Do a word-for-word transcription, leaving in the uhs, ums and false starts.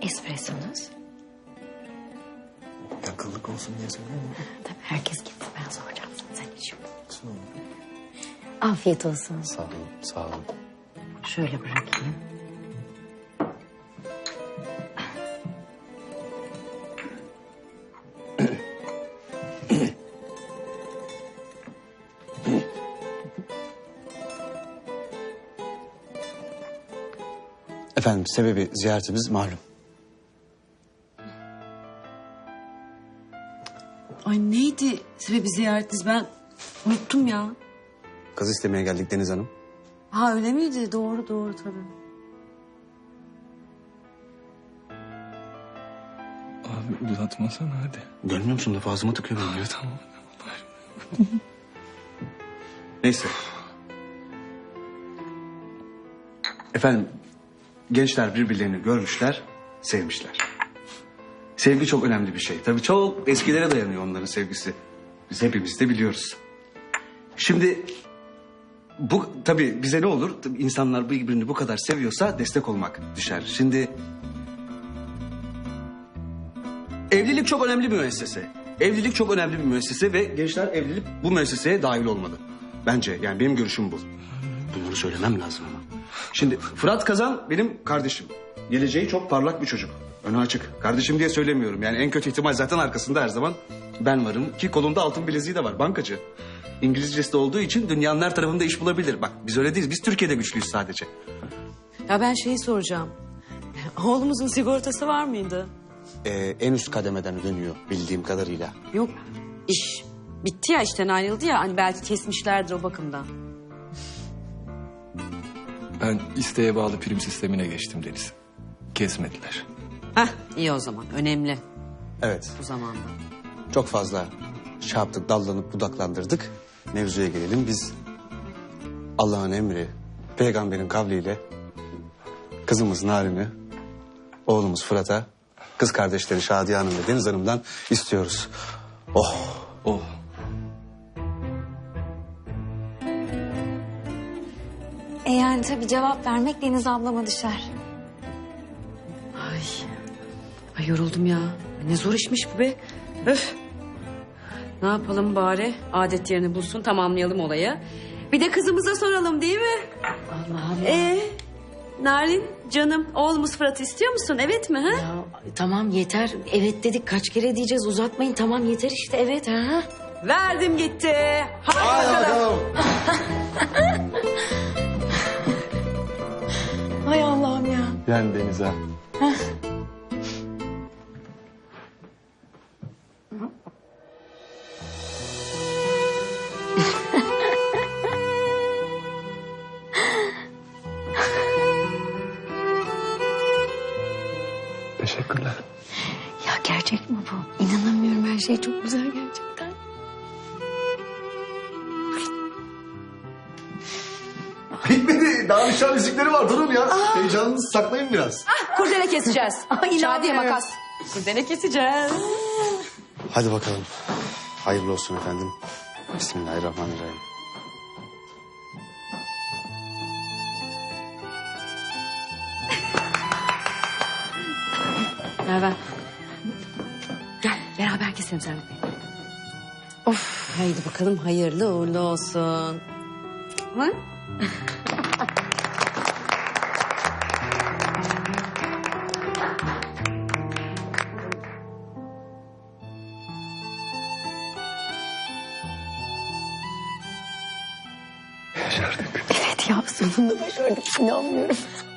espressonuz? Yakınlık olsun diye söylüyorum. Tabii herkes gitti, ben soracağım sana, sen iç. Sağ olun. Afiyet olsun. Sağ olun, sağ olun. Şöyle bırakayım. Efendim sebebi ziyaretimiz malum. Ay neydi sebebi ziyaretiniz, ben unuttum ya. Kız istemeye geldik Deniz Hanım. Ha öyle miydi? Doğru doğru tabii. Abi uzatmasana hadi. Görmüyor musun lafı ağzıma tıkıyor benim ya. Tamam. Neyse. Efendim gençler birbirlerini görmüşler, sevmişler. Sevgi çok önemli bir şey. Tabii çok eskilere dayanıyor onların sevgisi. Biz hepimiz de biliyoruz. Şimdi bu tabii bize ne olur? Tabii insanlar birbirini bu kadar seviyorsa destek olmak düşer. Şimdi evlilik çok önemli bir müessese. Evlilik çok önemli bir müessese ve gençler evlilik bu müesseseye dahil olmalı. Bence yani benim görüşüm bu. Bunları söylemem lazım ama. Şimdi Fırat Kazan benim kardeşim. Geleceği çok parlak bir çocuk. Önü açık. Kardeşim diye söylemiyorum. Yani en kötü ihtimal zaten arkasında her zaman ben varım. Ki kolunda altın bileziği de var. Bankacı. İngilizcesi de olduğu için dünyanın her tarafında iş bulabilir. Bak biz öyle değiliz. Biz Türkiye'de güçlüyüz sadece. Ya ben şeyi soracağım. Oğlumuzun sigortası var mıydı? Ee, en üst kademeden dönüyor bildiğim kadarıyla. Yok. İş bitti ya, işten ayrıldı ya. Hani belki kesmişlerdir o bakımdan. Ben isteğe bağlı prim sistemine geçtim Deniz. Kesmediler. Heh iyi o zaman. Önemli Evet. bu zamanda. Çok fazla şey yaptık, dallanıp budaklandırdık. Mevzuya gelelim. Biz Allah'ın emri, peygamberin kavliyle kızımız Narin'i, oğlumuz Fırat'a, kız kardeşleri Şadiye Hanım ve Deniz Hanım'dan istiyoruz. Oh! Oh. E yani tabii cevap vermek Deniz ablama düşer. Ay. Ay yoruldum ya. Ne zor işmiş bu be. Öf. Ne yapalım bari? Adet yerini bulsun, tamamlayalım olayı. Bir de kızımıza soralım değil mi? Allah Allah. Ee, Narin canım, oğlumuz Fırat'ı istiyor musun? Evet mi? Ha? Ya tamam yeter. Evet dedik, kaç kere diyeceğiz, uzatmayın. Tamam yeter işte, evet ha. Verdim gitti. Hadi bakalım. Hay Allah'ım ya. Yani Deniz ha. Teşekkürler. Ya gerçek mi bu? İnanamıyorum, her şey çok güzel gerçekten. Bitmedi. Daha nişan müzikleri var. Durun ya. Heyecanınızı saklayın biraz. Kurdele keseceğiz. Ay, Şadiye inanmıyorum. makas. Kurdele keseceğiz. Hadi bakalım. Hayırlı olsun efendim. Bismillahirrahmanirrahim. Merhaba. Gel beraber keselim sen. Of. Haydi bakalım, hayırlı uğurlu olsun. Ha? Başardık. Evet ya, sonunda başardık, inanmıyorum.